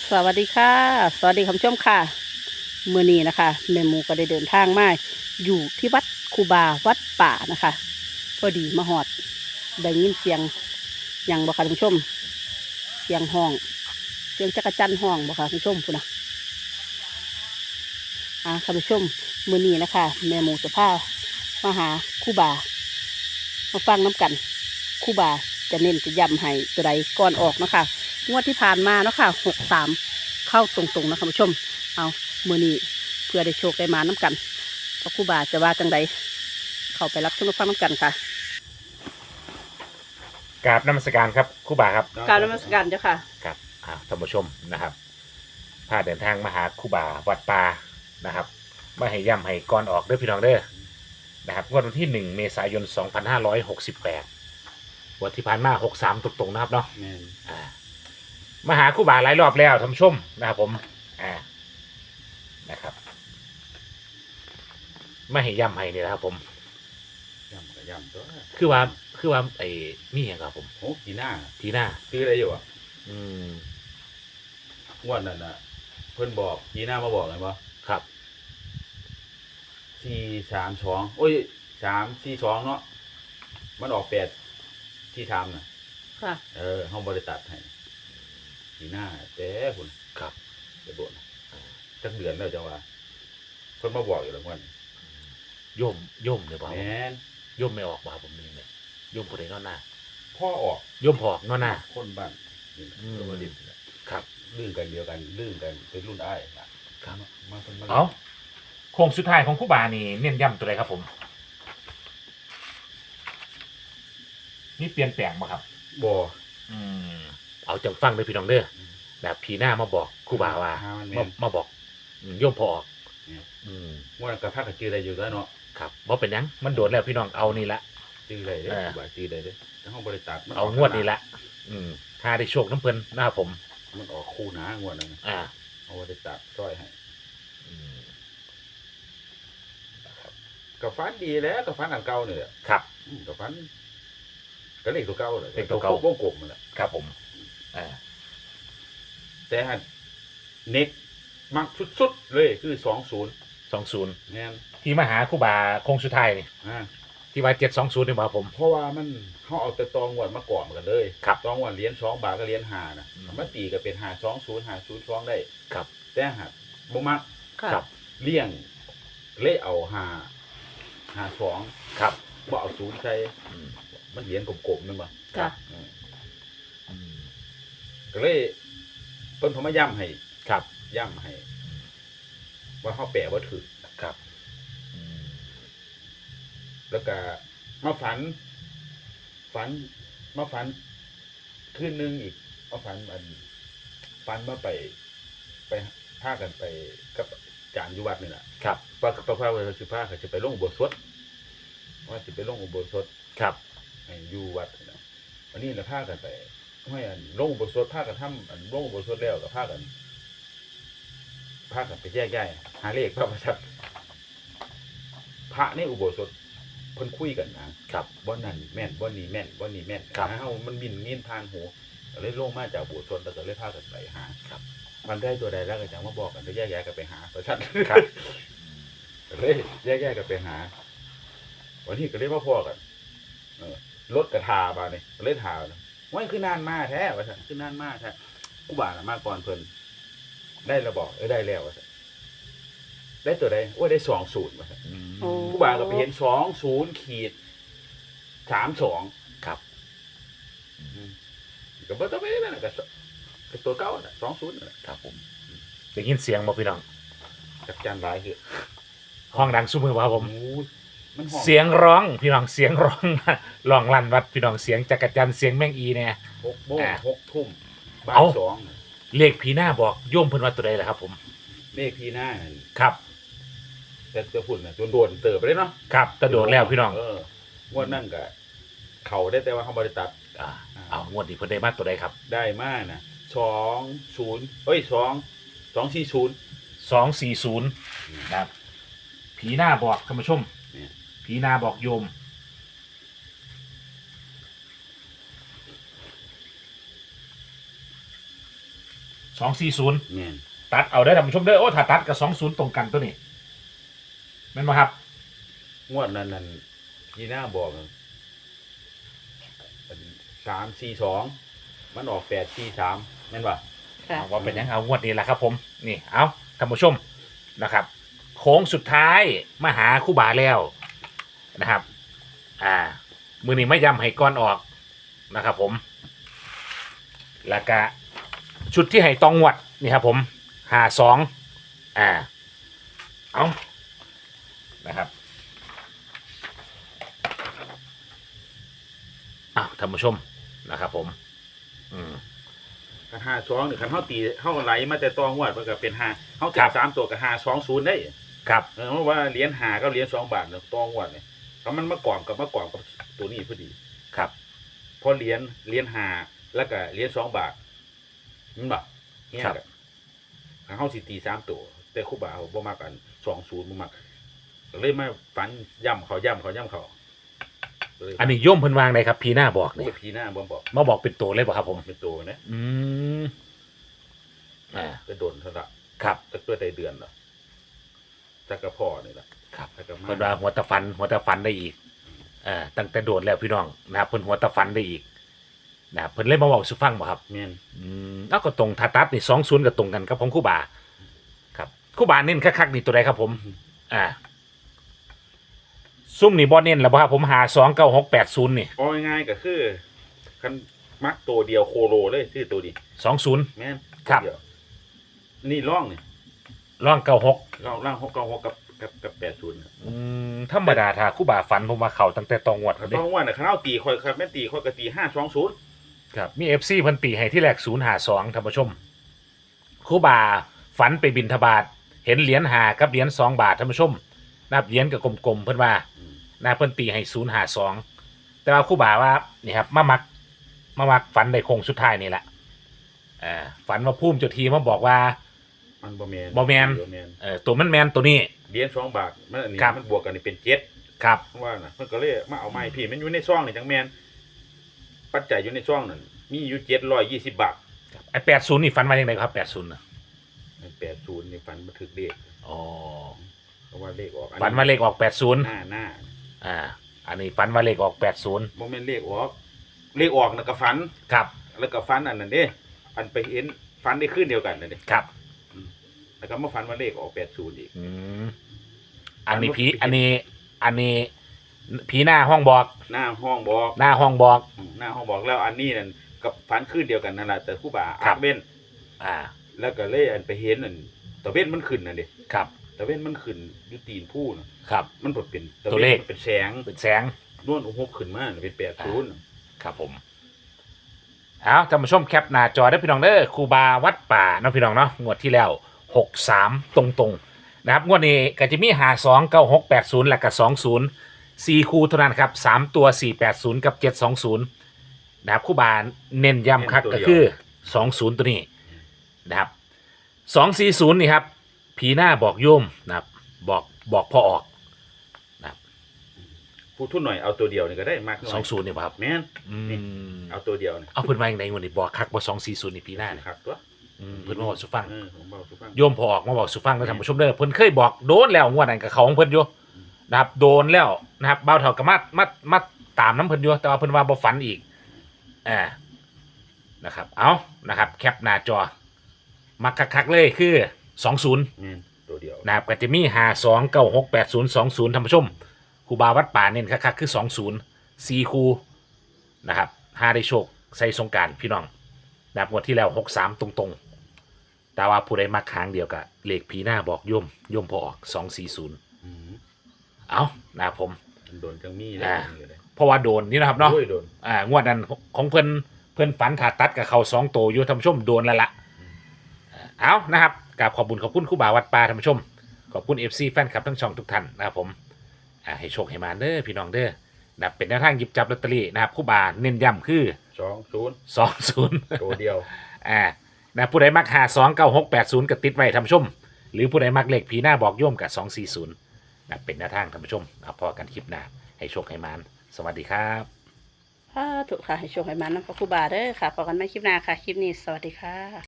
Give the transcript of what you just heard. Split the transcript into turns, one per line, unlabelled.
สวัสดีค่ะสวัสดีคุณผู้ชมค่ะมื้อนี้นะคะแม่หมูก็ได้เดินทางมาอยู่ที่วัดคูบาวัดป่านะคะพอดีมาหอดได้ยินเสียงอย่างบ่ค่ะคุณผู้ชมเสียงห้องเสียงจักรจั่นห้องบ่ค่ะคุณผู้ชมพุ่นนะคุณผู้ชมมื้อนี้นะคะแม่หมูจะพามาหาคูบามาฟังน้ำกันคูบาจะเน้นจะย้ำให้ตัวใดก่อนออกนะคะงวดที่ผ่านมาเนาะค่ะ63เข้าตรงๆนะคุณผู้ชมเอามื้อนี้เพื่อได้โชคได้มาน้ำกันเพราะครูบาจะว่าจังใดเข้าไปรับชมรับฟังน้ำกันค่ะ
กราบนมัสการครับครูบาครับ
กรารนมัสการเจ้าค่ะ
ครับท่านผู้ชมนะครับพาเดินทางมาหาครูบาวัดป่านะครับมาให้ย่ำให้ก่อนออกเด้อพี่น้องเด้อนะครับงวดวันที่1 เมษายน 2568วันที่ผ่านมา63ตรงๆนะครับเนาะมาหาครูบาหลายรอบแล้วท่านผู้ชมนะครับผมนะครับมาให้ย่ำให้นี่นะครับผม
ย่ำกับย่ำตัว
คือว่าไอ้นี่อย่างครับผม
โอ้กีหน้า
ทีหน้า
ซื้ออะไรอยู่อ่ะ
อืม
งวดนั้นน่ะ เพิ่นบอกกีหน้ามาบอกเลยว่า
ครับ
4-3-2โอ้ย3-4-2เนาะมันออก8ที่ทำน่ะ
ค่ะ
ห้องบริตัดให้กีหน้าแต่คุณ
ครับ
จะบ่นจักเดือนแล้วจังว่าเพิ่นมาบอกอยู่แล้ววัน
โยมเลยเปล่า
แม่น
โยมไม่ออกมาผมนี่เลยโยมผู้ใดนอนหน้า
พ่อออก
โยมพออกนอนหน้า
คนบ้านนี่
อืม
ตัวดิบน่ะ
ครับ
ลื่นกันเดียวกันลื่นกันเป็นรุ่นอ้ายน่ะ
ครับ
มาเพิ่นมา
เอาโค้งสุดท้ายของครู่บานี่เน้นย้ำตัวใดครับผมนี่เปลี่ยนแปลงมาครับ
บ่
อืมเอาจังฟังเลยพี่น้องเด้อแบบผีหน้ามาบอกครู่บาว่า
หมันแม่
มาบอกโยมพอออก
เนี่ย
อืม
ว่ากับภาคจือได้อยู่แล้วเนาะ
ครับบ่เป็นหยังมันโดนแล้วพี่น้องเอานี่ละ
จือได้เด้
เออ
บ่าจือได้เด้แต่ห้องบริษัทมัน
เอางวดนี้ละถ้าได้โชคน้ำเพลินนะครับผม
มันออกคู่หนางวดนั้นน่ะ
อ่า
เอาบริษัทช่วยให้
อืมนะครับ
กับฟันดีแล้วกับฟันอันเก่านี่แหละ
ครับ
กับฟันก็เลขตัวเก่าเลย
เลขตัวเก่า
วงกลมมันแหละ
ครับผมอ่า
แต่หันเน็กมักสุดๆเลยคือ20
20
แม่น
ที่มาหาครู่บาโค้งสุดท้ายนี่
อ่า
ที่ว่า720นี่บ่ครับผม
เพราะว่ามันเฮาเอาแต่ตองวดมาก่อนกันเลย
ครับ
ตองวดเหรียญ2บาทกับเหรียญ5น่ะ
อืม
มาตีก็เป็น520 ได้
ครับ
แต่หัดบ่มัก
ค่ะ
ครับ
เลี่ยงเลยเอา5 2
ครับ
บ่เอา0ใส่
อืม
มันเหรียญกลมๆนั่นบ่
ค่ะ
อืม
อืม
ก็เลยเพิ่นพมาย้ำให้
ครับ
ย้ำให้ ว่าเฮาแปลบ่ถูก
ครับอืม
แล้วก็มาฝันมาฝันคืนนึงอีกมาฝันมาไปพากันไปกับอาจารย์อยู่วัดนี่ล่ะ
ครับ
ปะพาว่าสิพาเขาจะไปลงอุโบสถว่าสิไปลงอุโบสถ
ครับ
ให้อยู่วัดนี่นะวันนี้เราพากันไปให้อันลงอุโบสถพากันทำอันลงอุโบสถแล้วก็พากันไปแยกย้ายหาเลขพระประทับพระในอุโบสถเพิ่นคุยกันนะครับ บ่นั่นแม่นบ่นี่แม่นบ่นี่แม่น
ครับ
เฮามันบินมีนผ่านหูก็เลยลงมาจากอุโบสถแล้วก็เลยพากันไปหา
ครับ
มันได้ตัวใดแล้วก็จังมาบอกกันแล้วแยกย้ายกันไปหาประชัน
ครับ
ก็เลยแยกกันไปหา วันนี้ก็เลยมาพอกันรถกระทาบาเนี่ยก็เลยทานะว่าคือนานมาแท้ว่าซั่นคือนานมาแท้กูบ่าน่ะมาก่อนเพิ่นได้แล้วบอกได้แล้วว่าซั่นได้ตัวใดโอ้ยได้20ว่าซั่น
อืม
โอ้
กูบ่าก็ไปเห็น20-32
ครับ
ก็บ่ต้องไปนั่นน่ะก็ตัวเก่าน่ะ20น่ะ
ครับผมได้ยินเสียงบ่พี่น้อง
จักจันหลายคือ
ห้องดังซุมือบ่ครับผม
โอ้ยมันห้อง
เสียงร้องพี่น้องเสียงร้อง ร้องลั่นวัดพี่น้องเสียงจักรจันทร์เสียงแมงอีเนี่ย
6 โมง 6 ทุ่มบ่าย
เอ้า
2น่ะ
เลขผีหน้าบอกโยมเพิ่นว่าตัวใดล่ะครับผม
เลขที่หน้านั่น
ครับ
แต่จะพูดน่ะโดนเติบไปเลยเนาะ
ครับตะโดดแล้วพี่น้อง
งวดนั่นก็เขาได้แต่ว่าเขาบริตัด
เอางวดนี้เพิ่นได้มาตัวใดครับ
ได้มากนะ20เอ้ย240
240นะครับผีหน้าบอกท่านผู้ชม
เนี่ย
ผีหน้าบอกโยม 240
แม่น
ตัดเอาได้อท่านผู้ชมเด้อโอ้ถ้าตัดกับ20ตรงกันตัวนี้แม่นบ่ครับ
งวดนั้นที่หน้าบอก342มันออก843แม่นป่ะ
ค่ะ
เอาว่าเป็นยังเอางวดนี้แหละครับผมนี่เอาท่านผู้ชมนะครับโค้งสุดท้ายมาหาคู่บาแล้วนะครับมือนี้ไม่ย้ำให้ก้อนออกนะครับผมแล้วก็ชุดที่ให้ตองงวดนี่ครับผม52เอานะครับอ้าวท่านผู้ชมนะครับผม
คัน52นี่คันเฮาตีเฮาไหลมาแต่ตองวดมันก็เป็น5เฮาตี3ตัวก็520ได้
ครับ
เพราะว่าเหรียญ5กับเหรียญ2 บาทตองวดนี่ถ้ามันมากรอบกับตัวนี้พอดี
ครับ
พอเหรียญ5แล้วก็เหรียญ2 บาทมันบ่เนี่ยก็คันเฮาสิตี3ตัวแต่ครูบาบ่มักกัน20บ่มักก็เลยมาฝันย่ำเขา
อันนี้โย่มเพิ่นวางได้ครับพีหน้าบอก
นี่
นี่
พี่หน้าบ่บอก
มาบอกเป็นตัวเลยบ่ครับผม
เป็นตัวนะ จะโดนเท่าละ
ครับ
จักตัวใดเดือนละจักกระพ่อนี่ล่ะ
ครับ
จักกระมา
เพิ่นว่าหัวตะฟันได้อีกตั้งแต่โดดแล้วพี่น้องนะครับเพิ่นหัวตะฟันได้อีกนะครับเพิ่นเลยมาบอกสุฟังบ่ครับ
แม่น
แล้วก็ตรงทาตัดนี่20ก็ตรงกันกับของครูบาครับครูบาเน้นคักๆนี่ตัวใดครับผมซุ่มนี่บ่เน้นแล้วบ่ครับผม529680นี่
เอาง่ายๆก็คือคันมักตัวเดียวโคโลเลยชื่อตัวนี้
20
แม่น
ครับ
ตัวเดียวนี่ร่องนี่
ร่อง96
ร่าง696กับ80
ธรรมดาถ้าครูบาฝันผมมาเข้าตั้งแต่ตองวด
คัน
เด้
ต้องว่าน่ะคันเอาตีค่อยครับแม่นตีค่อยก็ตี520
ครับมี FC เพิ่นตีให้ที่แรก052ท่านผู้ชมครูบาฝันไปบิณฑบาตเห็นเหรียญ5กับเหรียญ2 บาทท่านผู้ชมนับเหรียญกับกลมๆเพิ่นว่านะเพิ่นตีให้052แต่ว่าครูบาว่านี่ครับมามักฝันในโค้งสุดท้ายนี่แหละฝันว่าภูมิเจ้าทีมาบอกว่า
มันบ่แม่น
บ่แม่น ตัวมันแมนตัวนี้
เหรียญ2 บาทมันอันนี้
ครับ
มันบวกกันนี่เป็น7
ครับ
ว่าน่ะเพิ่นก็เลยมาเอาไม้พี่มันอยู่ในซองนี่จังแม่นปัจจัยอยู่ในซองนั่นมีอยู่720 บาท
ไอ้80นี่ฝันว่าจังไดครับ80น่ะ
80นี่ฝันบ่ถึกเลข
อ๋อ
เพราะว่าเลขออก
ฝันว่าเลขออก80
หน้า
อันนี้ฝันว่าเลขออก80
บ่แม่นเลขออกน่ะก็ฝัน
ครับ
แล้วก็ฝันอันนั้นเด้อันไปเห็นฝันได้คืนเดียวกันนั่นเด้
ครับ
แล้วก็มาฝันว่าเลขออก80อีก
อันนี้ผีหน้าห้องบอก
หน้าห้องบอก
หน้าห้องบอก
หน้าห้องบอกแล้วอันนี้นั่นกับฝันคืนเดียวกันนั่นแหละแต่ครูบา
ครั
อา
บ
เว้น
อ่า
แล้วก็เลยอันไปเห็นนั่นตะเว้นมันขึ้นนั่นเด้
ครับ
ตะเว้นมันขึ้นอยู่ตีนผู้น่ะ
ครับ
มันบ่เป็น
ตัวเลข
มันเป็นแสง
เป็นแสง
นวลหกขึ้นมาเป็น80
ครับผมเอาท่านผู้ชมแคปหน้าจอได้พี่น้องเด้อครูบาวัดป่าเนาะพี่น้องเนาะงวดที่แล้ว63ตรงๆนะครับงวดนี้ก็จะมี52 96 80และก็20 4คู่เท่านั้นครับ3ตัว480กับ720นะครับครูบาเน้นย้ำคักก็คือ20ตัวนี้นะครับ240นี่ครับผีหน้าบอกโยมนะครับบอกพอออก
ผู้ทุนหน่อยเอาตัวเดียวนี่ก็ได้มากหน่อย
20นี่ป่ะครับ
แม่น นี่ เอาตัวเดียวนี่
เอาเพิ่นมาอย่างไรงวดนี้บอกคักบ่240นี่ผีหน้าเนี่ย
ครับตัว
เพิ่นมาบอกสุฟัง
ผมบอกสุฟัง
โยมพอออกมาบอกสุฟังแล้วท่านผู้ชมเด้อเพิ่นเคยบอกโดนแล้วงวดนั้นกับเขาของเพิ่นอยู่นะครับโดนแล้วนะครับเบาเท่ากับมาตามน้ำเพิ่นอยู่แต่ว่าเพิ่นว่าบ่ฝันอีกนะครับเอานะครับแคปหน้าจอมักคักๆเลยคือ20
แม่นตัวเดียว
นะครับก็จะมี52 96 80 20ท่านผู้ชมครูบาวัดป่าเน้นคักๆคือ20 4คู่นะครับ5ได้โชคใส่สงกรานต์พี่น้องนะครับงวดที่แล้ว63ตรงๆแต่ว่าผู้ใดมักค้างเดียวกับเลขผีหน้าบอกโยมพอออก240เอานะครับผม
โดนจังมีเลย
เพราะว่าโดนนี่นะครับเนาะ
โอ้ยโดน
งวดนั้นของเพิ่นฝันขาดตัดกับเขา2ตัวอยู่ท่านผู้ชมโดนแล้วล่ะเอานะครับกราบขอบคุณครูบาวัดป่าท่านผู้ชมขอบคุณ FC แฟนคลับทั้งช่องทุกท่านนะครับผมให้โชคให้มาเด้อพี่น้องเด้อนะครับเป็นแนวทางหยิบจับลอตเตอรี่นะครับครูบาเน้นย้ำคือ20
ตัวเดียว
นะผู้ใดมัก529680ก็ติดไว้ท่านผู้ชมหรือผู้ใดมักเลขผีหน้าบอกโยมกับ240นะเป็นแนวทางท่านผู้ชมเอาพอกันคลิปหน้าให้โชคให้มานสวัสดีครับ
ถูกค่ะให้โชคให้มันนะพระครูบาเด้อค่ะพบกันใหม่คลิปหน้าค่ะ คลิปนี้สวัสดีค่ะ